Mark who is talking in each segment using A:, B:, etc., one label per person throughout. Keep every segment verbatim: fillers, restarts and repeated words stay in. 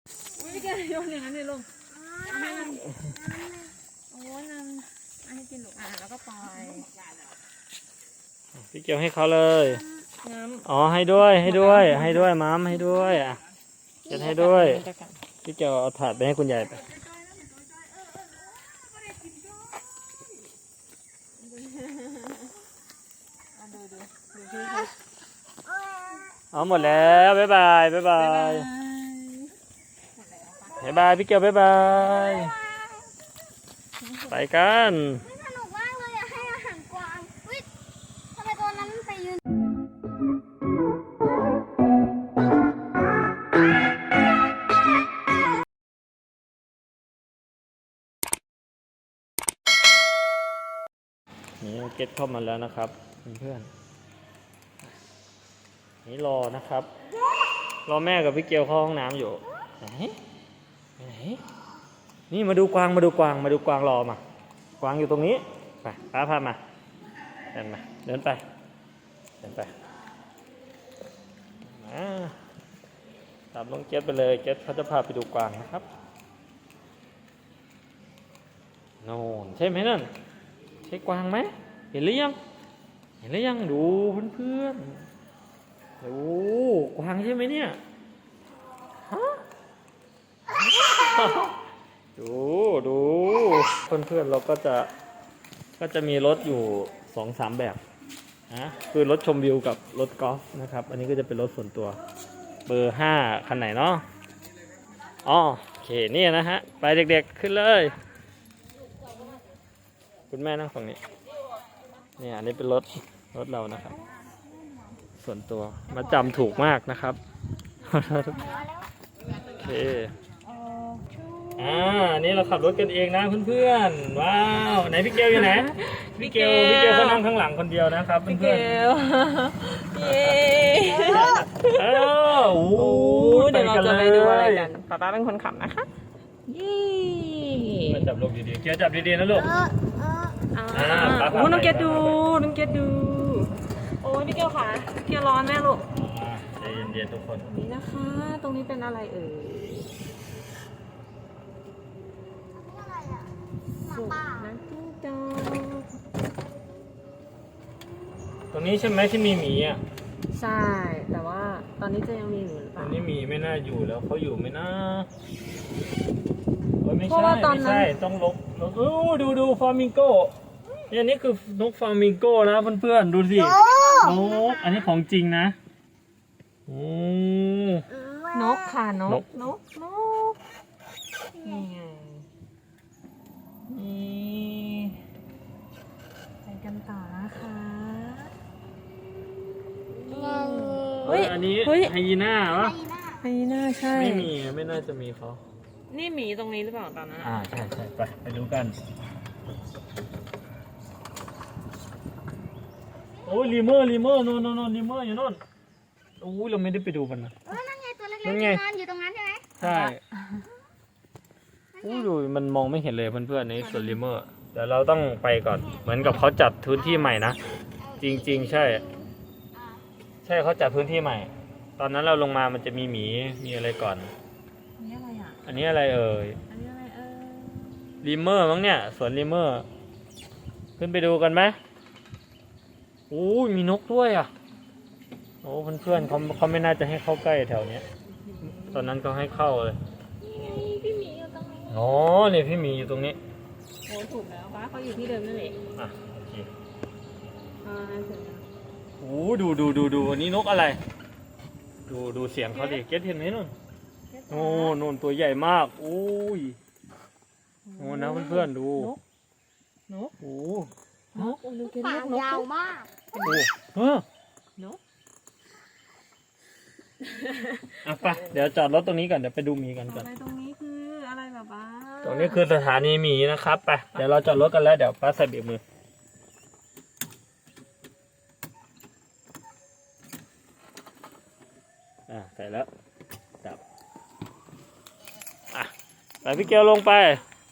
A: ไม่แกโยนอย่างนั้นเลยลุงให้มันโอ้นั่นให้กินลูกอ่ะแล้วก็ปล่อย
B: พี่เกียวให้เขาเลยอ๋อให้ด้วยให้ด้วยให้ด้วยม้ามให้ด้วยอ่ะเก็บให้ด้วยพี่เกียวเอาถาดไปให้คุณยายไปเอาหมดแล้วบ๊ายบายบ๊ายบายบ๊ายบายพี่เกียวบ๊ายบายไปกัน
C: สนุกมากเลยอะให้อาหารกวางวิททำไมตัวนั้นไปยืน
B: นี่เก็ตเข้ามาแล้วนะครับเพื่อนๆนี่รอนะครับรอแม่กับพี่เกียวเข้าห้องน้ำอยู่ไหนไหนนี่มาดูกวางมาดูกวางมาดูกวางรอมากวางอยู่ตรงนี้ไปป้าพามาเดินมาเดินไปเดินไปมาตามน้องเก็ตไปเลยเก็ตเขาจะพาไปดูกวางนะครับโน่นใช่ไหมนั่นใช่กวางไหมเห็นหรือยังเห็นหรือยังดูเพื่อนๆดูกวางใช่ไหมเนี่ยฮะดูดูเพื่อนๆเราก็จะก็จะมีรถอยู่สองสามแบบนะคือรถชมวิวกับรถกอล์ฟนะครับอันนี้ก็จะเป็นรถส่วนตัวเบอร์ห้าคันไหนเนาะอ๋อโอเคนี่นะฮะไปเด็กๆขึ้นเลยคุณแม่นั่งฝั่งนี้เนี่ยอันนี้เป็นรถรถเรานะครับส่วนตัวมาจำถูกมากนะครับโอเคอ่านี่เราขับรถกันเองนะเพื่อนๆว้าวไหนพี่เกลอยู่ไหนพี่เกลพี่เกลเขานั่งข้างหลังคนเดียวนะครับเพื่อนๆเย้เออโอ้โห
A: เดี๋ยวเราจะไปดูอะไรกันป๊าป๊าเป็นคนขับนะคะยี่
B: มาจับลูกดีๆเกียวจับดีๆนะลูก
A: อ่าโอ้น้องเกดดูน้องเกดดูโอ้ยพี่เกลค่ะเกลร้อนแม่ลูก
B: ใจเย็นๆทุกคน
A: นี่นะคะตรงนี้เป็นอะไรเอ่ยสุกนะจิ้งจอก
B: ตรงนี้ใช่ไหมที่มีหมีอ่ะ
A: ใช่แต่ว่าตอนนี้จะยังมีอยู่หรือเป
B: ตอ
A: ล่าน
B: นี้หมีไม่น่าอยู่แล้วเขาอยู่ไหมนะไม่ใช่ไม่ใช่ต้องลบลบดูดูฟลามิงโก้อันนี้คือนกฟลามิงโก้นะเพื่อนๆดูสินกอันนี้ของจริงนะโอ้
A: นกค่ะนกนกนกนี่ไงนี่ไปกันต่อนะคะ
B: เฮ้ยอันนี้ไฮยีน่าวะ
A: ไฮยีน่าใช่
B: ไม่มีไม่น่าจะมีเขา
A: นี่หมีตรงนี้หรือเปล่าตอนนั้น
B: อ่าใช่ใช่ไปไปดูกันโอ้ยลีเมอร์ลีเมอร์โน่นโน่นลีเมอร์อยู่โน่นโอ้ยเราไม่ได้ไปดูมันนะ
C: เออนั่นไงตัวเล็กๆนอนอยู่ตรงนั้นใช่ไหม
B: ใช่โอ้ยดูมันมองไม่เห็นเลยเพื่อนๆในส่วนลีเมอร์เดี๋ยวเราต้องไปก่อนเหมือนกับเขาจัดพื้นที่ใหม่นะจริงๆใช่ใช่เขาจัดพื้นที่ใหม่ตอนนั้นเราลงมามันจะมีหมีมีอะไรก่อน
A: อันนี้อะไรอ่ะ
B: อันนี้อะไรเอ่ย
A: อันนี้อะไรเอ่ย
B: ลีเมอร์มั้งเนี่ยสวนลีเมอร์ขึ้นไปดูกันไหมโอ้ยมีนกด้วยอ่ะโอ้เพื่อนๆเขาเขาไม่น่าจะให้เข้าใกล้แถวเนี้ยตอนนั้นเขาให้เข้าเลย
A: พี่หมีอยู่ตรงนี้
B: อ๋อเนี่ยพี่หมีอยู่ตรงนี้
A: โอ้ถูกแล้วป้าเขาอยู่ที่เดิมนั่นเอง
B: อ่ะโอเค
A: อ่าถึงแล้ว
B: โอ้ดูดูดูดูอันนี้นกอะไรดูดูเสียงเขาดิเก็ตเห็นไหมนู่นโอ้นู่นตัวใหญ่มากโอ้ยโอ้นะเพื่อนๆดู
A: นก
B: โอ้
A: นกโอ้ดูเก็ตนก
C: ยาวมาก
B: โอ้เออนกอ่ะไปเดี๋ยวจอดรถตรงนี้ก่อนเดี๋ยวไปดูหมีกันก่อน
A: อะไรตรงนี้คืออะไรแบบว่า
B: ตรงนี้คือสถานีหมีนะครับไปเดี๋ยวเราจอดรถกันแล้วเดี๋ยวป้าใส่เบรกมืออ่ะใส่แล้วจับอ่ะไปพี่เกียวลงไป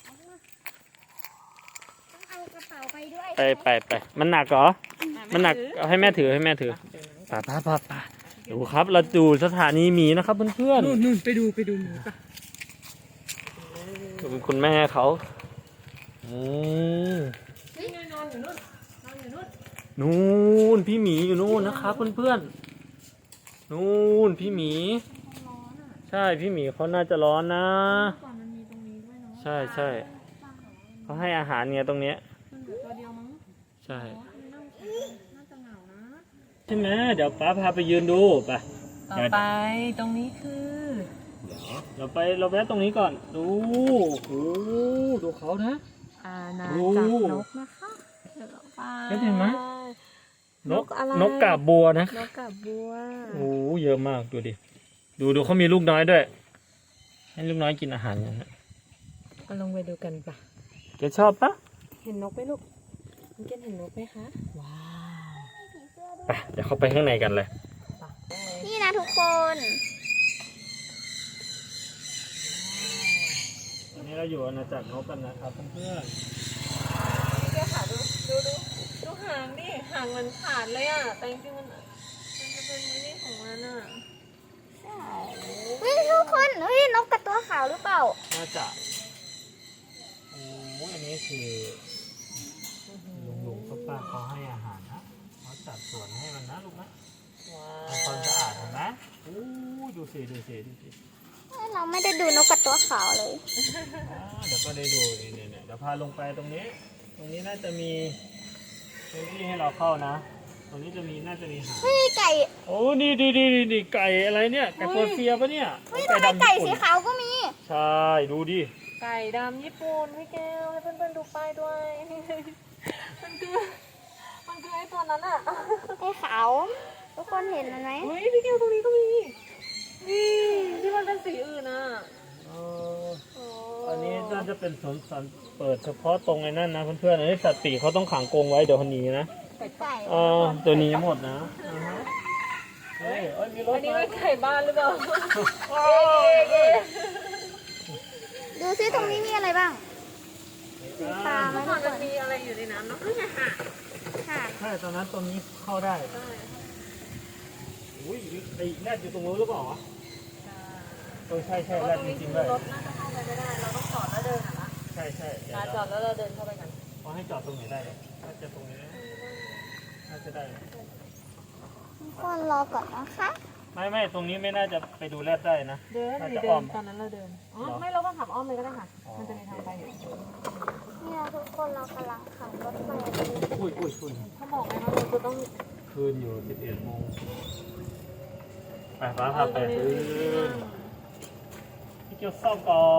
C: เอากระเป๋าไปด้วย
B: ไปไปไปมันหนักเหรอมันหนักเอาให้แม่ถือให้แม่ถือป่าป่าป่าป่าดูครับเราดูสถานีหมีนะครับเพื่อน
A: นู่นนู่นไปดูไปดูหมีปะ
B: ๆคุณคุณแม่เขาอืม
A: นี่ไงนอนอยู่นู่นนอนอยู่นู่น
B: นู่นพี่หมีอยู่นู่นนะครับเพื่อนๆนู่นพี่หมี
A: ร้อนอ่ะ
B: ใช่พี่หมีเขาน่าจะร้อนนะ
A: ก่อนมันมีตรงนี้ด้วยเนาะ
B: ใช่ใช่เขาให้อาหารเนี่ยตรงเนี้ย
A: มันเหลือตัวเดียวมั้ง
B: ใช่
A: อ๋อมันน่าน่าจะเหงานะ
B: ใช่ไหมเดี๋ยวป้าพาไปยืนดูไป
A: ต่อไปตรงนี้คือ
B: เราไปเราแวะตรงนี้ก่อนดูโอ้ดูเขานะ
A: อาณา
B: โอ้
A: จักรนกนะคะเดี๋ยวเราไป
B: เห็นไหม น
A: น
B: ก
A: กอะไร
B: นกกาบบัวนะ
A: นกกาบบัว
B: โอ้เยอะมากดูดิดูดูเขามีลูกน้อยด้วย ให้ลูกน้อยกินอาหารอย่างนี้น
A: มาลงไปดูกันปะ
B: แกชอบปะ
A: เห็นนกไหมลูกคุณเกนเห็นนกไหมคะว้าว
B: ไปเดี๋ยวเข้าไปข้างในกันเลย
C: นี่นะทุกคน
B: ตอนนี้เราอยู่อาณาจักรนกกันนะครับเพื่อน
A: แกขาดูดูดูดูหางดิหางมันขาดเลยอ่ะแต่จริงๆมันมันจะเป็นนี่ของมันอ่ะ
C: เฮ้ยทุกคนเฮ้ยนกกระตัวขาวหรือเปล่า
B: ๆน่าจะโอ้อันนี้คือลุงลุงป้าป้าเขาให้อาหารนะเขาจัดสวนให้มันนะลูกนะ
A: ว้า
B: ทำความสะอาดเห็นไหมโอ้ดูสิดูสิดูสิ
C: เราไม่ได้ดูนกกระตัวขาวเลย
B: อ่าเดี๋ยวก็ได้ดูนี่เนี่ยเนี่ยเดี๋ยวพาลงไปตรงนี้ ตรงนี้น่าจะมีพื้นที่ให้เราเข้านะ ตรงนี้จะมีน่าจะมีหาง
C: เฮ้ยไก่
B: โอ้นี่ดีดีดีดีไก่อะไรเนี่ย ไก่เปอร์เซียปะเนี่ย
C: เฮ้ยทำไมไก่สีขาวก็มี
B: ใช่ดูดิ
A: ไก่ดำญี่ปุ่นพี่แก้วให้เพื่อนๆดูป้ายด้วย มันคือมันคือไอ้ตัวนั้นอ่ะ
C: ไอ้ขาว ทุกคนเห็นมันไหม
A: เฮ้ยพี่แก้วตรงนี้ก็มีนี่ที่มันเป็นสีอื่นอ่ะ
B: เออ
A: โอ้
B: อันนี้น่าจะเป็นสวนสัตว์เปิดเฉพาะตรงไอ้นั่นนะเพื่อนๆอันนี้สัตว์ปีกเขาต้องขังกรงไว้เดี๋ยวคนหนี้นะ
A: ไก่
C: ไก่
B: เออตัวนี้หมดนะอ่าฮะเฮ้ยเอ้ยมีรถ
A: อันนี้
B: มา
A: เป็นไก่บ้านหรือเปล่า
B: โอ้ย
C: ดูซิตรงนี้มีอะไรบ้างมีปลาไหม
A: เมื่อ
C: ทุ
A: ก่อก น
C: ค
A: มัน นมีอะไรอยู่ในน้ำเนาะนี่ไงค่ะ
C: ค่ะ
B: ใช่ตอนนั้นตรงนี้เข้าได้
A: ใช่
B: อุ้ยไอ้แรดอยู่ตรงนู้นหรือเปล่าวะเออใช่ใช่
A: เพราะ
B: แร
A: ต
B: ด
A: รง
B: จ
A: นี้
B: ริ
A: คื
B: ง
A: อ
B: ๆด้วย
A: รถน่าจะเข้าไปไม่ได้ เราต้องจอดแล้วเดินอ่ะนะ
B: ใช่ใช่เดี๋ยว
A: มาจอดแล้วเราเดินเข้าไปกัน
B: เขาให้จอดตรงไหนได้เนี่ยน่าจะตรงนี้นะน่าจะได้นะ
C: ทุกคนรอก่อนนะคะ
B: ไม่ไม่ตรงนี้ไม่น่าจะไปดูแรดได้นะ
A: เดิน
B: น่า
A: หรื
B: จะ
A: อเดิ
B: อ้อน ม
A: ตอนนั้นเราเดิน อ๋อ
B: เหรอ
A: ไม่เราก็ขับอ้อมเลยก็ได้ค่ะ
B: อ๋อ
A: มันจะมีทางไปอยู่
C: นี่นะทุกคนเรากำลังขับรถไป
B: อุ้ยอุ้ยอุ้ย
A: ถ้าบอกไงว่าเราจะต้อง
B: คืนอยู่สิบเอ็ดโมงไปฟ้าพาไปคืนพี่เกียวซ่อมก่อน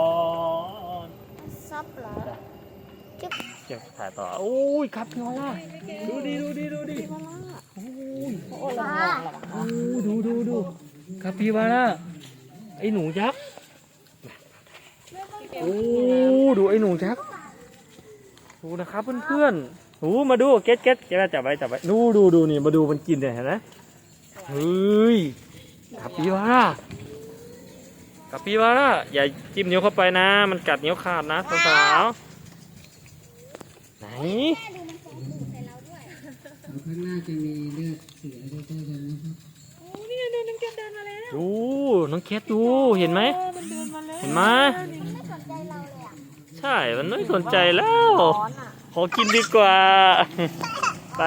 C: ซับเหรอจุ๊บ
B: เก็บถ่ายต่อโอ้ยครับพี่วอลล่าดูดิดูดิดูดิโอ้ย
C: ปลา
B: โอ้ดูดูดูครับพี่วอลล่าไอหนูยักษ์โอ้ดูไอหนูยักษ์ดูนะครับเพื่อนๆโอ้มาดูเก็ตเก็ตเก็ตจับไว้จับไว้ดูดูดูนี่มาดูมันกินเนี่ยเห็นไหมเฮ้ยครับพี่วอลล่าครับพี่วอลล่าอย่าจิ้มนิ้วเข้าไปนะ มันกัดนิ้วขาดนะสาวๆไหน
D: แล้วข้างหน้าจะมีเลือดเสือด้วยกันนะครับ
A: โอ้นี่ไงเดินน้ำเกลือเดินมาแล้ว
B: ดูน้องเคสดูเห็นไหม
A: เออมันเดินมาแล้ว
B: เห็นไหม
C: ไม่สนใจเราเลยอ่ะ
B: ใช่ มันไม่สนใจแล้ว
A: ร้อนอ่ะ
B: ขอกินดีกว่า ไป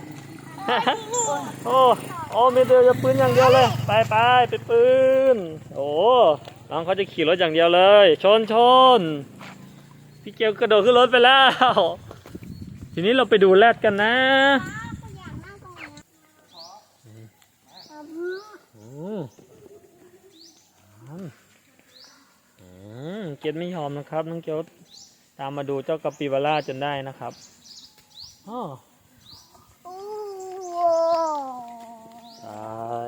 B: โอ้โอ้ไม่เดียวจะปืนอย่างเดียวเลย ไปไปไปปืน โอ้น้องเขาจะขี่รถอย่างเดียวเลย ชนชนพี่เกียวกระโดดขึ้นรถไปแล้ว ทีนี้เราไปดูแรดกันนะ
C: คุณอยากนั่งตรงนี้
B: อืมอืมเกดไม่ยอมนะครับน้องเกียวตามมาดูเจ้ากาปิบาร่าจนได้นะครับอ๋อ
C: โอ้
B: ใช่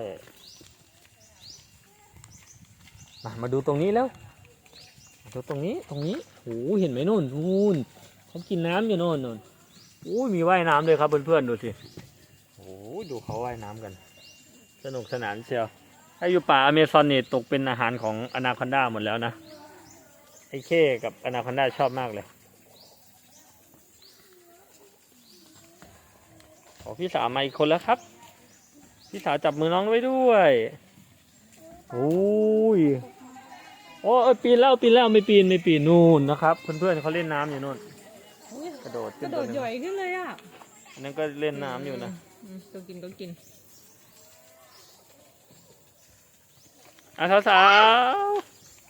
B: มามาดูตรงนี้แล้วมาดูตรงนี้ตรงนี้โอ้เห็นไหมนู่นนู่นเขากินน้ำอยู่โน่นนู่นโอ้มีว่ายน้ำเลยครับเพื่อนๆดูสิโอ้ดูเขาว่ายน้ำกัน สนุกสนานเชียวถ้าอยู่ป่าอเมซอนนี่ตกเป็นอาหารของอนาคอนดาหมดแล้วนะไอ้เข้กับอนาคอนดาชอบมากเลยขอพี่สาวมาอีกคนแล้วครับพี่สาวจับมือน้องไว้ด้วยโอ้ยโอ้เอ้ยปีนแล้วปีนแล้วไม่ปีนไม่ปีนนู่นนะครับเพื่อนๆเขาเล่นน้ำอยู่นู่นกระโดด
A: ก
B: ขึ้
A: ระ
B: น
A: โด
B: ตัว
A: ด
B: หนึง
A: หย่อยขึ้นเลยอ่ะ
B: อันนั้นก็เล่นน้ำอยู่นะ
A: อืมตัวกินก็กิน
B: อ่ะสาวๆ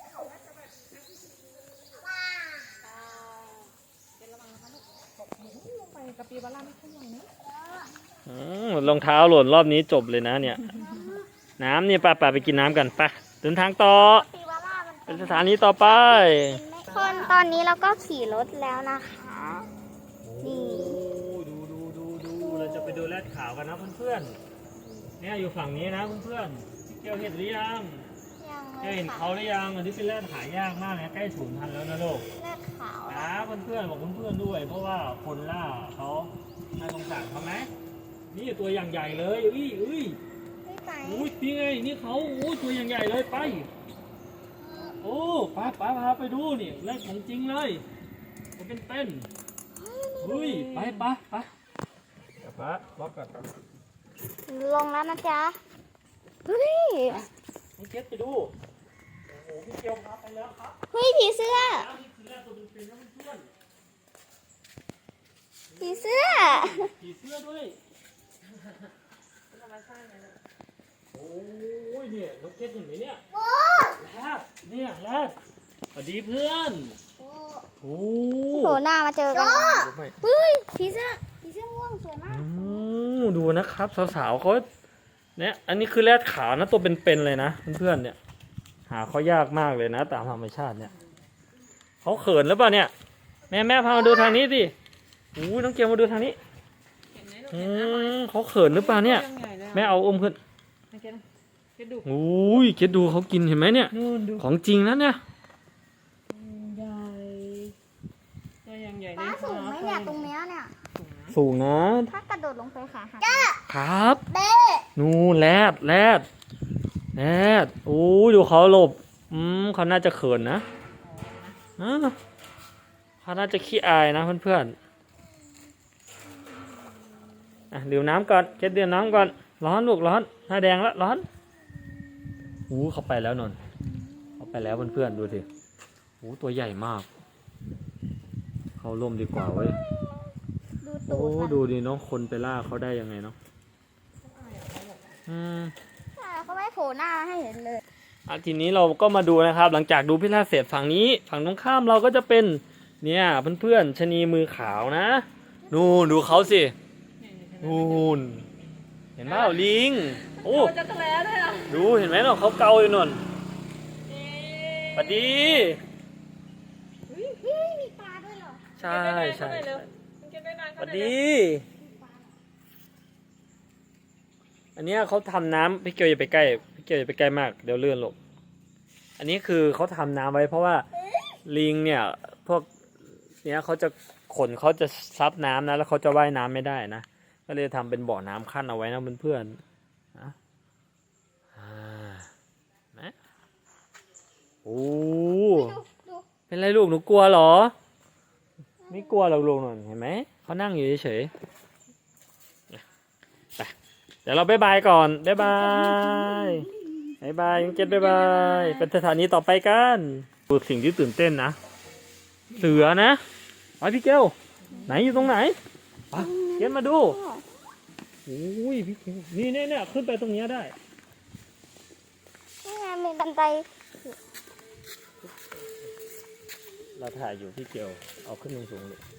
A: ไปกะปีบาร่าไม่ค่อยใหญ่นะ
B: อืมรองเท้าหล่นรอบนี้จบเลยนะเนี่ย น้ำเนี่ยไป้าป้าไปกินน้ำกันไปเดินทางต่อ
C: ปีวาร่ามัน
B: เป็นสถานีต่อไป
C: คนตอนนี้เราก็ขี่รถแล้วนะคะ นี่
B: ดูดูดูดูเราจะไปดูแรดขาวกันนะเพื่อนๆเนี่ยอยู่ฝั่งนี้นะเพื่อนๆเกี่ยวเห็นหรือยัง
C: ยัง
B: เกี่ยวเห็นเขาหรือยังอันนี้เป็นแรดหายากมากนะใกล้สูญพันธุ์แล้วนะลูก
C: เลือดขาว
B: นะเพื่อนๆบอกเพื่อนๆด้วย เพราะว่าคนล่าเขาน่าสงสารเขาไหมนี่ตัวอย่างใหญ่เลยอุ้ยอุ้ย
C: ไม่ไป
B: อุ้ยนี่ไงนี่เขาโอ้ยตัวอย่างใหญ่เลยไปโอ้ป้าป้าพาไปดูนี่แรดของจริงเลยมันเป็นเต้นอุ้ยไปไปไปเดี๋ยวป้าล็อกก่อน
C: ลงแล้วนะจ๊ะเฮ้ย
B: พี่เกดไปดูโอ้โหพี่เกียวพาไปแล้วครับ
C: เฮ้ยผีเสื้อ
B: แล้วนี่คือแรกตัวเป็นๆนะเพื่อน
C: ผีเสื้อ
B: ๆผีเสื้อด้วยโอ้ยเนี่ยน้องเกดเห็นไหมเนี่ยแรดเนี่ยแรดสวัสดีเพื่อนโอ้
C: โผล่หน้ามาเจอกันเฮ้ยผีเสื้อผีเสื้อม่วงสวยมาก
B: อืมดูนะครับสาวๆเขาเนี่ยอันนี้คือแรดขาวนะตัวเป็นๆเลยนะเพื่อนๆเนี่ยหาเขายากมากเลยนะตามธรรมชาติเนี่ยเขาเขินหรือเปล่าเนี่ยแม่แม่พามาดูทางนี้สิโอ้ยน้องเกียวมาดูทางนี้
A: เห็นไหมลูก
B: อื
A: เห็นไหม
B: มเขาเขินหรือเปล่าเนี่ย
A: ตัวงใหญ่เลยอะ
B: แม่เอาอมขึ้น
A: โอเคนะเกดดู
B: โอ้ยเกดดูเขากินเห็นไหมเนี่ย
A: นู่นดู
B: ของจริงนะเนี่ย
A: ใหญ่ตัวยังใหญ่
C: ป้าสูงไหมเนี่ยตรงเนี้ยเนี่ย
B: สูงนะ
C: ถ้ากระโดดลงไปขาหัก
B: ครับ
C: เบ้
B: นู่นแรดแรดแรดโอ้ยดูเขาหลบอืมเขาน่าจะเขินนะอ่าเขาน่าจะขี้อายนะเพื่อนๆอ่ะดื่มน้ำก่อนเกดดื่มน้ำก่อนร้อนลูกร้อนหน้าแดงแล้วร้อนอู้เขาไปแล้วนนท์เขาไปแล้วเพื่อนๆดูสิโอ้ตัวใหญ่มาก เขาล่มดีกว่าเว้ย
C: ดู
B: โอ้
C: ตูดมัน
B: ดูดิน้องคนไปล่าเขาได้ยังไงเนาะอืม
C: ใช่เขาไม่โผล่หน้าให้เห็นเลย
B: อ่ะทีนี้เราก็มาดูนะครับ หลังจากดูพิราบเสร็จฝั่งนี้ ฝั่งตรงข้ามเราก็จะเป็น เนี่ยเพื่อนๆชะนีมือขาวนะ นู่นดูเขาสิ นู่น เห็นไหมลิง โอ้
A: โอ้จักรแล้ด้วยอ่ะ
B: ดูเห็นไหมเนาะเขาเกาอยู่นนสวัสดี
C: เฮ้ยมีปลาด้วยเหรอ
B: ใช่ใช่
A: เร็
B: ใช่
A: วเกดได้นาน
B: ส
A: เข้า
B: วัส
A: ไปเร็
B: ดี อันเนี้ยเขาทำน้ำพี่เกียวอย่าไปใกล้พี่เกียวอย่าไปใกล้มากเดี๋ยวเลื่อนหลบอันนี้คือเขาทำน้ำไว้เพราะว่าลิงเนี่ยพวกเนี้ยเขาจะขนเขาจะซับน้ำนะแล้วเขาจะว่ายน้ำไม่ได้นะก็เลยทำเป็นบ่อน้ำขั้นเอาไว้นะเพื่อนๆนะอ่านะโอ้
C: ดูดู
B: เป็นไรลูกหนูกลัวเหรอ ไม่กลัวหรอกลูกหน่อยเห็นไหมเขานั่งอยู่เฉยๆไปเดี๋ยวเราบ๊ายบายก่อนบ๊ายบายบ๊ายบายยังเจ็ดบ๊ายบายเป็นสถานีต่อไปกันดูสิ่งที่ตื่นเต้นนะเสือนะไปพี่เกลไหนอยู่ตรงไหนไปเกลมาดูโอ้ยพี่เกลนี่เนี่ยเนี่ยขึ้นไปตรงเนี้ยได้
C: นี่ไงมีบันได
B: เราถ่ายอยู่พี่เกลเอาขึ้นสูงๆเลย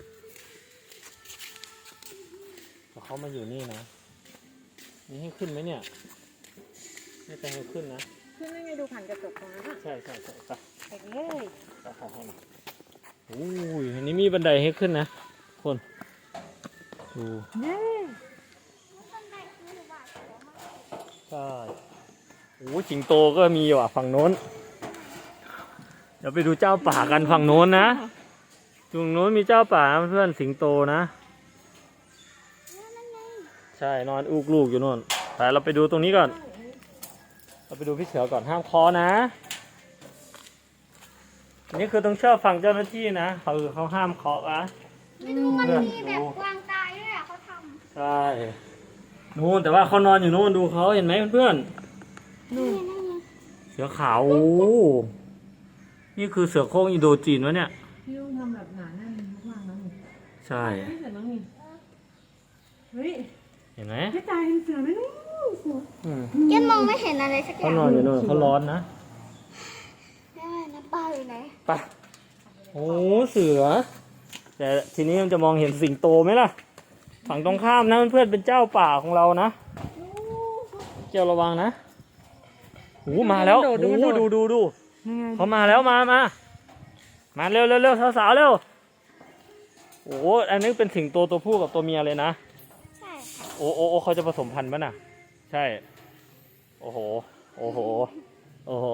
B: พอเขามาอยู่นี่นะนี่ให้ขึ้นไหมเนี่ยไม่แต่ให้ขึ้นนะ
A: ขึ้นได้ไงดูผ่านกระจกตรงนั้นอ่ะ
B: ใช่ใช่ใช่ไป
A: เด็กเลย
B: ไปขอให้มาโอ้ยอันนี้มีบันไดให้ขึ้นนะคนดู
A: เย้
C: บันไดคือหวาดเสียวมาก
B: ใช่โอ้ยสิงโตก็มีว่ะฝั่งโน้นเดี๋ยวไปดูเจ้าป่ากันฝั่งโน้นนะตรงโน้นมีเจ้าป่าเพื่อนสิงโตนะ
C: นั่นไง
B: ใช่นอนอุกลูกอยู่โน่นแต่เราไปดูตรงนี้ก่อน เราไปดูพี่เสือก่อนห้ามเคอนะอันนี้คือต้องเชื่อฟังเจ้าหน้าที่นะเขาเขาห้ามเคาะนะ
C: ไม่ดูมัน
B: เพื่อน
C: มีแบ
B: ดู
C: บกวางตายด้วยอ่ะเขาท
B: ใช่นู่นแต่ว่าเขานอนอยู่นู่นดูเขาเห็นไหมเพื่อนๆ
C: นี่นั่นไง
B: เสือขาวโอ้นี่คือเสือโคร่งอินโดจีนวะเนี่ย
A: พี่ต้องทำแบบหนาแน่นมากๆนะนี่
B: ใช่
A: ไม่เสร็จแล้วนี่เฮ้ย
B: เห็นไหม
A: พี่ตายเห็นเสือไหมนู่นเสือ
B: อืม
C: เกนมองไม่เห็นอะไรสักอ
B: เขา
C: ย่าง
B: นอนอยู่นู่นเขาร้อนนะ
C: แม่น้ำปลาอยู่ไหน
B: ไปโอ้เสือ แต่ทีนี้มันจะมองเห็นสิงโตไหมล่ะ ฝั่งตรงข้ามนะเพื่อนๆเป็นเจ้าป่าของเรานะเจ้าระวังนะโอ้มาแล้วโอ้ดูดูดู
A: ยังไง
B: เขามาแล้วมามามาเร็วเร็วเร็วสาวๆเร็วโอ้อันนี้เป็นสิงโตตัวผู้กับตัวเมียเลยนะ
C: ใช่ค่ะ
B: โอ้โอ้โอ้เขาจะผสมพันธุ์ป่ะน่ะ ใช่ โอ้โห โอ้โห โอ้โห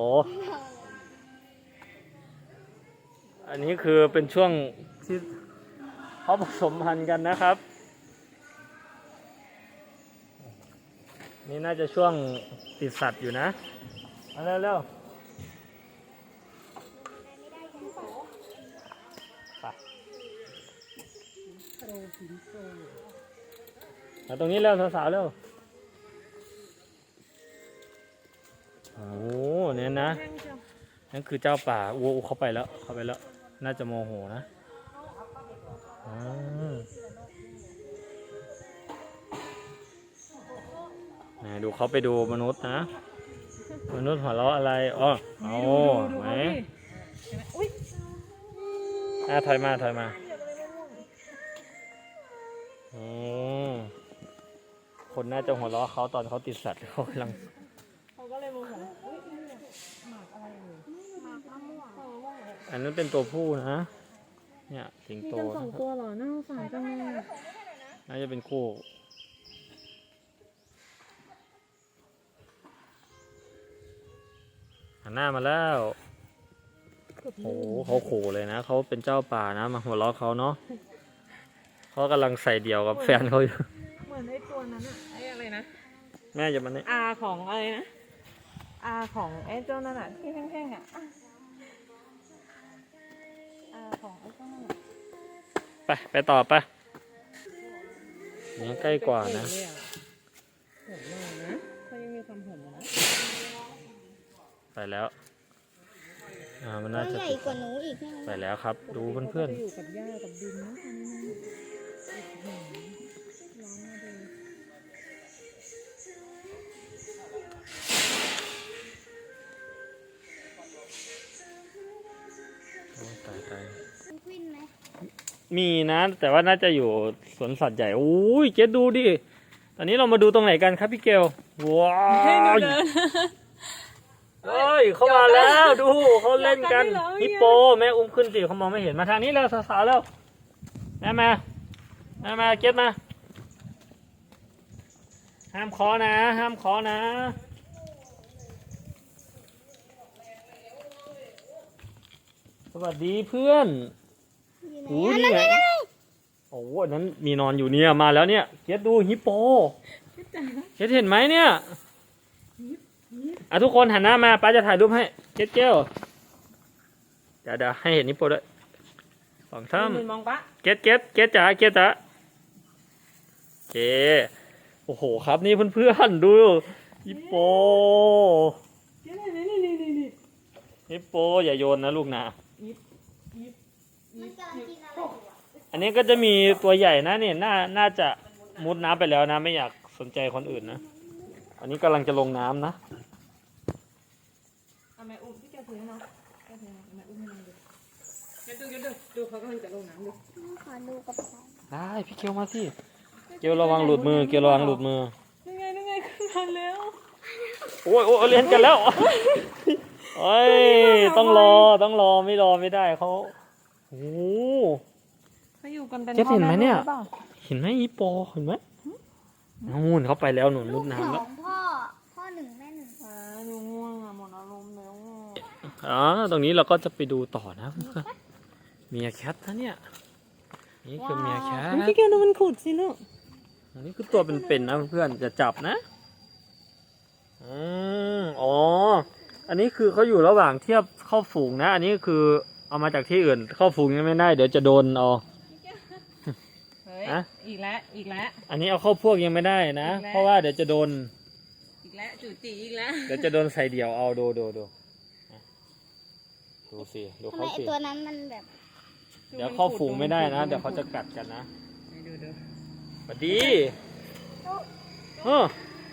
B: อันนี้คือเป็นช่วงที่เขาผสมพันธุ์กันนะครับ นี่น่าจะช่วงติดสัตว์อยู่นะมาเร็วเร็วไปมาตรงนี้เร็วสาวๆเร็ว โอ้เนี่ยนะ นั่นคือเจ้าป่าโอ้เข้าไปแล้วเข้าไปแล้ว น่าจะโมโหนะอ่าไหนดูเขาไปดูมนุษย์นะ มนุษย์หัวเราะอะไรอ๋อเอาไหมอ่ะถอยมาถอยมาอืมคนน่าจะหัวเราะเขาตอนเขาติดสัตว์เขากำลัง
A: เขาก็เลยโมโหอุ้ยนี่เนี่ยหมากอะไรเลย
C: หมากมะม่วง
A: มะม่วงเหรอ
B: อันนั้นเป็นตัวผู้นะ เนี่ยสิง
A: มี
B: โต
A: กันสอง
B: นะครับ
A: ตัวเหรอน่าสงสารจังเลยอะ
B: น่าจะเป็นคู่หันหน้ามาแล้วโอ้โหเขาขู่เลยนะเขาเป็นเจ้าป่านะมาหัวเราะเขาเนาะเขากำลังใส่เดี่ยวกับแฟนเขาอยู่
A: เหมือนไอ้ตัวนั้นอะไอ้อะไรนะ
B: แม่อย่ามาเนี่ย
A: อาของอะไรนะอาของไอ้เจ้านั่นอะที่แท่งๆอะอาของไอ้เจ้านั่นอะ
B: ไปไปต่อไปนี่ใกล้กว่านะ
A: โหดเลยอะโหดมากนะเขายังมีความโหดอยู่นะ
B: ไปแล้วอ่ามัน
C: ตัว
B: น่าจะ
C: ใหญ่กว่าหนูอีกใช่ไหม
B: ไปแล้วครับ ดูเพื่อน
A: ขาก็จะอยู่กับหญ้ากับดินนะตอนนี้นะร้อนมาดู
B: ๆโอ้ตายตาย
C: มันกวินไหม
B: มีนะแต่ว่าน่าจะอยู่สวนสัตว์ใหญ่โอ้ยเจ๊ดูดิตอนนี้เรามาดูตรงไหนกันครับพี่เกลว้าวเฮ้ยเขามาแล้วดูเขาเล่นกันฮิปโปแม่อุ้มขึ้นสิเขามองไม่เห็นมาทางนี้แล้วสาวๆแล้วแม่มาแม่มาเก็ตมาห้ามขอนะห้ามขอนะสวัสดีเพื่อน
C: อยู่ไหน
B: โอ้
C: อ่ะ
B: นี่
C: นั่น
B: ไง
C: ไงนั่นไง
B: โอ้อันนั้นมีนอนอยู่เนี่ยมาแล้วเนี่ยเก็ตดูฮิปโปเก็ตเห็นไหมเนี่ยอ่ะทุกคนหันหน้ามาป้าจะถ่ายรูปให้เก็ตเกลเดี๋ยวเดี๋ยวให้เห็นฮิปโปด้วยสองท่าม
A: มองปะ
B: เก็ตเก็ตเก็ตจ๋าเก็ตจ๋าโอเคโอ้โหครับนี่เพื่อนๆดูฮิปโป
A: นี่นี่นี่นี่นี่นี่
B: ฮิปโปอย่าโยนนะลูกนะ
C: มันกำลังกินอะไรอยู่อ่ะ
B: อันนี้ก็จะมีตัวใหญ่นะเนี่ยน่าน่าจะมุดน้ำไปแล้วนะไม่อยากสนใจคนอื่นนะอันนี้กำลังจะลงน้ำนะ
A: เอาแม่อุ้มพี่แกถือให้น้องแกถือให้แม่อุ้มให้น้องดูแกดูแกดูดูเขากำลังจะลงน้ำดู
C: ขอดูกับเขา
B: ได้พี่เกลมาสิเกลระวังหลุดมือเกลระวังหลุดมือ
A: นี่ไงนี่ไงขึ้นมาแล้ว
B: โอ้ยโอ้ยเรียนกันแล้วโอ้ยต้องรอต้องรอไม่รอไม่ได้เขาโอ้โห
A: เขาอยู่กันเป็น
B: เจ๊เห็นไหมเนี่ย
A: พ่อแลูกรือปล่า
B: เห็นไหมอีโปเห็นไหมนู่นเขาไปแล้วหนุนมุดน้ำ
C: ส
B: แล้
C: อ
B: ว
C: งพ่อ พ่อหนึ่งแม่หนึ่ง
A: อ่าดูง่วงอ่ะหมดอารมณ์แล้วอ่ะ
B: อ๋อตรงนี้เราก็จะไปดูต่อนะเพื่อนเมียแคทนะเนี่ยนี่คือเมียแคท
A: พี่แกดูมันขุดสิลูก
B: อันนี้คือตัวเป็นๆนะเพื่อนจะจับนะอืมอ๋ออันนี้คือเขาอยู่ระหว่างเทียบเข้าฝูงนะ อันนี้คือเอามาจากที่อื่นเข้าฝูงยังไม่ได้เดี๋ยวจะโดนเอา
A: เฮ้ยย
B: อะ
A: อีกแล้วอีกแล้ว
B: อันนี้เอาเข้าพวกยังไม่ได้นะ
A: อีกแล้ว
B: เพราะว่าเดี๋ยวจะโดน
A: อีกแล้วจู่จีอีกแล้ว
B: เดี๋ยวจะโดนใส่เดี่ยวเอาดูดูดูอ่ะดูสิดู
C: ทำไม
B: เขา
C: ไอ
B: สิ
C: ตัวนั้นมันแบบ
B: เดี๋ยวเข้าฝูงไม่ได้นะ เดี๋ยวเขาจะกัดกันนะ
A: ดูดู
B: สวัสดีเออ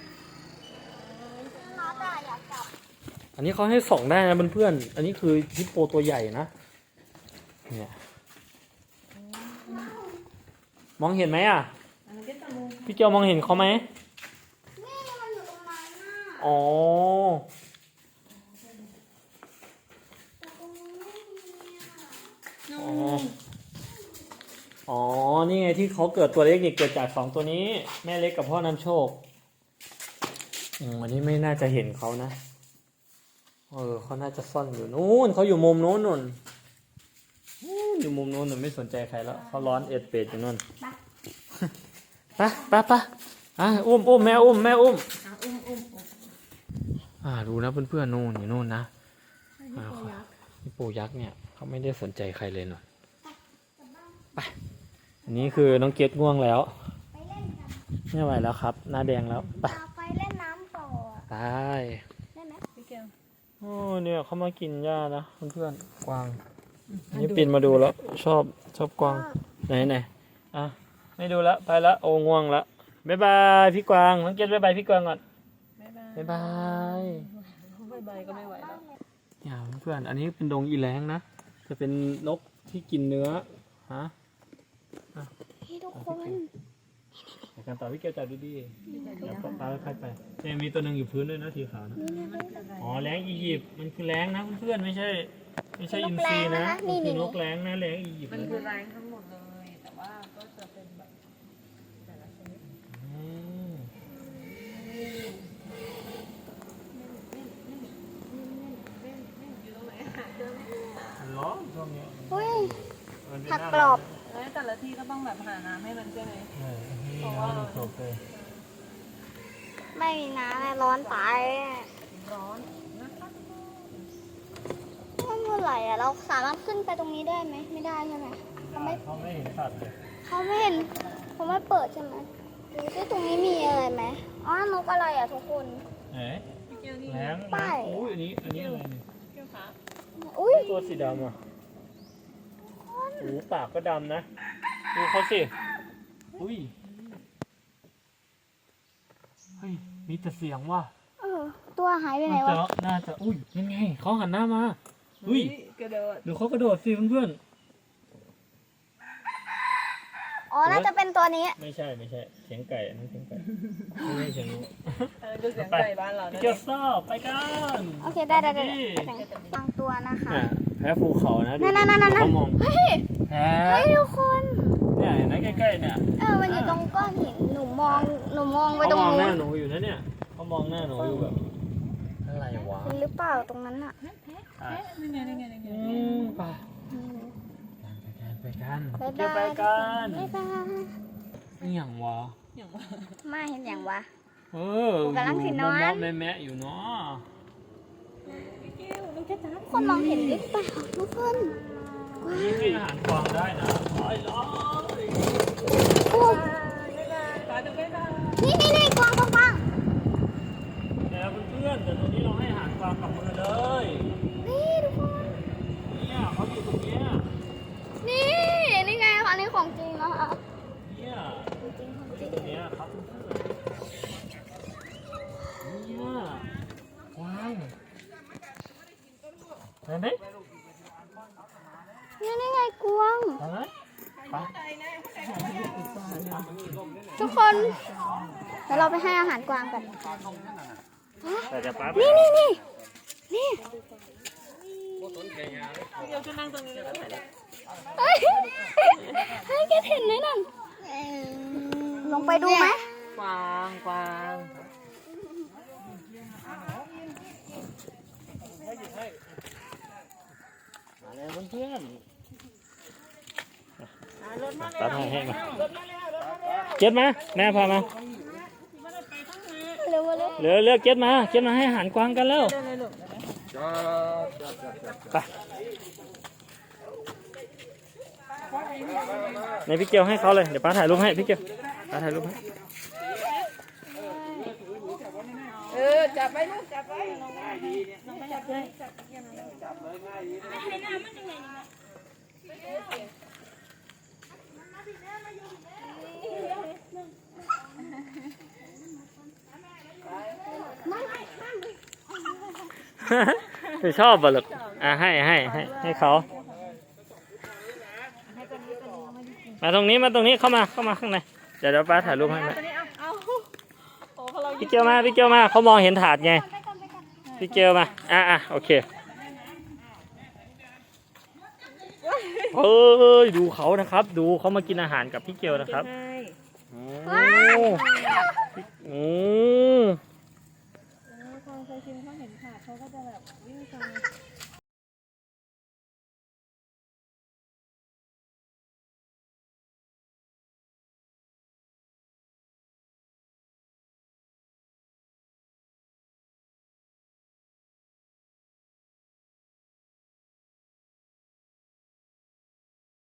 C: น้าตาอยากจับ
B: อันนี้เขาให้ส่องได้นะเพื่อนๆอันนี้คือฮิปโปตัวใหญ่นะเนี่ยมองเห็นไหมอ่ะ
A: อันนั้นก็ตะมู
B: พี่เกียวมองเห็นเขาไหม
C: นี่มันอยู่ตรงนั้นน่ะ
B: อ๋อ
C: แต่ตรงนี้ไม่มีอ่ะ
B: อ๋อ อ๋อ นี่ไงที่เขาเกิดตัวเล็กนี่เกิดจากสองตัวนี้ แม่เล็กกับพ่อนำโชค อืมอันนี้ไม่น่าจะเห็นเขานะ เออเขาน่าจะซ่อนอยู่นู้นเขาอยู่มุมนู้นนู่นนู้นอยู่มุมนู้นน่ะไม่สนใจใครแล้วเขาร้อนเอ็ดเป็ดอยู่นู่นไปไปไปอ่ะอุ้มอุ้มแม่อุ้มแม่อุ้ม
A: อ่ะอุ้มอุ้มอุ้ม
B: อ่าดูนะเพื่อนๆนู่นอยู่นู่นนะ
A: ให้พี่โปยักษ์
B: ฮิปโปยักษ์เนี่ยเขาไม่ได้สนใจใครเลยหน่อยไปอันนี้คือน้องเกดง่วงแล้ว
C: ไปเล่นกัน
B: ไม่ไหวแล้วครับหน้าแดงแล้วไป
C: เอาไปเล่นน้ำต่ออ่ะ
B: ไป
C: ได้ไหม
A: พี่เกล
B: โอ้เนี่ยเขามากินหญ้านะเพื่อนๆกวางอันนี้ปีนมาดูแล้วชอบชอบกวางไหนไหนอ่ะไม่ดูแล้วไปละโอ้ง่วงละบ๊ายบายพี่กวางน้องเกดบ๊ายบายพี่กวางก่อน
A: บ๊ายบาย
B: บ๊ายบาย
A: บ๊ายบายก็ไม่ไหวแล้ว
B: เนี่ยเพื่อนๆอันนี้เป็นดงอีแรงนะจะเป็นนกที่กินเนื้อฮะ
C: พี่ทุกคน
B: ในการต่อพี่เกียวจับดีๆแล้วก็ปลาค่อยๆไปเนี่ยมีตัวหนึ่งอยู่พื้นด้วยนะสีขาวนะ
C: นี่นะ
B: อ๋อแรงอียิปต์มันคือแรงนะเพื่อนๆไม่ใช่ ไม่ใช่อินทรีนะมันคือนกแรงนะแรงอียิปต์
A: มัน
B: เลย
A: คือแรงทั้งหมดเลย แต่ว่าก็จะเป็นแบบแต่ละชนิด
B: อืม
A: อยู่ตรงไหนหาเจอไหม
B: มันร้อนช่วงเนี้ย
C: เฮ้ย
B: มันเป็น
C: ผัก
B: หน้าก
C: รอบ
A: เอ้ยแต่ละที่ก็ต้องแบบหาน้ำให้มันใช่ไหม
B: เออนี่นะมันสดเลย
C: ไม่มีน้ำเลยร้อนตายอะ
A: ร้อนนะคะ
C: มันเมื่อไหร่อ่ะเราสามารถขึ้นไปตรงนี้ได้ไหมไม่ได้ใช่ไหมเขาไม่
B: เขาไม่เห็นสัตว์เลย
C: เขาไม่เห็นเขาไม่เปิดใช่ไหมดูซิตรงนี้มีอะไรไหมอ๋อนกอะไรอ่ะทุกคน
B: เอ๊ะ
A: พี่เกลนี่
B: แรง
C: ไป
B: แรงอุ้ยอันนี้อันนี้อะไรเนี่ย
A: เกลขา
C: อุ้ย
B: ตัวสีดำอ่ะโอ้โหปากก็ดำนะดูเขาสิอุ้ยเฮ้ยมีแต่เสียงว่ะ
C: เออตัวหายไปไหน
B: น่าจะ
C: วะ
B: น่าจะอุ้ยยังไงเขาหันหน้ามาอุ้ย
A: กระโดด
B: ดูเขากระโดดสิเพื่อน
C: อ๋อน่าจะเป็นตัวนี้
B: ๆไม่ใช่ไม่ใช่เสียงไก่อันนั้นเสียงไก่ไม่ใช่เสียงนก
A: อันนั้นคือเสียงไก่บ้านเรา
B: พี่
A: นะ
B: เกียวซ่าไปกัน
C: โอเคได้ได้ได้
B: นี่
C: บางตัวนะคะ
B: อ่ะแพ้ภูเขานะดู
C: นั่นนั่นนั่นนั่น
B: เขามอง
C: เฮ้ย
B: แพ้
C: เฮ้ยทุกคน
B: เนี่ยเห็นไหมใกล้ๆเนี่ย
C: เออมันอยู่ตรงก้อนหินหนูมองหนูมองไป
B: เขา
C: ตรง
B: มองห
C: นู้
B: น้าน หนูอยู่นะเนี่ยเขามองหน้าหนูอยู่แบบอะไรวะ
C: เห็นหรือเปล่าตรงนั้นอ่ะ
B: อ่ะ
A: นี่ไงนี่ไงนี่ไง
B: อืมไป
C: อืม
B: ไปกัน
C: บ๊าย
B: เกี่ยว
C: บา
B: ไป
C: ย
B: กัน
C: บ๊ายบาย
B: นี่อย่างวะ
A: อย่างว่า
C: ไม่เห็นอย่างวะ
B: เออ
C: กูกำลังสินอน
B: มอมๆแมะๆอยู่เนาะ
A: พี่เกลมันแค่จ้า
C: ทุกคนมองเห็นหรือเปล่าทุกคน
B: นี่ให้อาหารกวางได้นะร้อยร้อย
C: โอ้
A: ขอดูบ๊ายบาย
C: นี่นี่นี่กวางกวางกวาง
B: แต่เพื่อนๆแต่ตรงนี้เราให้อาหารกวางกับมือเลย
C: นี่ทุกคน
B: เนี่ยเขาอยู่ตรงเนี้ย
C: นี่นี่ไงอันนี้ของจริงนะคะ
B: เนี่ย
C: ของจริงของจริง
B: ตรงเนี้ยครับเพื่อนๆเนี่ยกวางเห็นไหม
C: นี่นี่ไงกวาง
B: เห็นไหมไป
C: ทุกคนเดี๋ยวเราไปให้อาหารกวางกัน
B: แต่จะปั๊บ
C: นี่นี่นี่นี่
A: เดี๋ยวจะนั่งตรงนี้แล้วก็ถ่ายได้
C: เฮ้ยให้แกเห็นไหมนั่นลงไปดูไหม
A: กวางกวาง
B: มาเลยเพื่อน
A: รถมา
B: ๆ
A: แล้
B: ตั
A: ว
B: ดให้ให้มา
A: รถมาแล้วรถมาแล้ว
B: เก็ตมาแม่พามา
C: เร็วมาเร็ว
B: เร็วเร็วเก็ตมาเก็ตมาให้อาหารกวางกันแล้ว
A: เดินเลยลูก
B: ไปในพี่เกียวให้เขาเลยเดี๋ยวป้าถ่ายรูปให้พี่เกียวป้าถ่ายรูปให้
A: เออจับไปลูกจับไปน้องไม่จับเลย
B: ไม่ชอบบ่หรอกอ่ะให้ให้ให้ให้เขามาตรงนี้มาตรงนี้เข้ามาเข้ามาข้างในเดี๋ยวเดี๋ยวป้าถ่ายรูปให้ไหม
A: ตัวนี้เอาเอาโอ้พอเรา
B: พี่เกียวมาพี่เกียวมาเขามองเห็นถาดไงพี่เกียวมาอ่ะอ่ะโอเคเฮ้ยดูเขานะครับ ดูเขามากินอาหารกับพี่เกียวนะครับโอ้โอ้
A: พอเคยชิมเขาเห็นขาดเขาก็จะแบบวิ่งตาม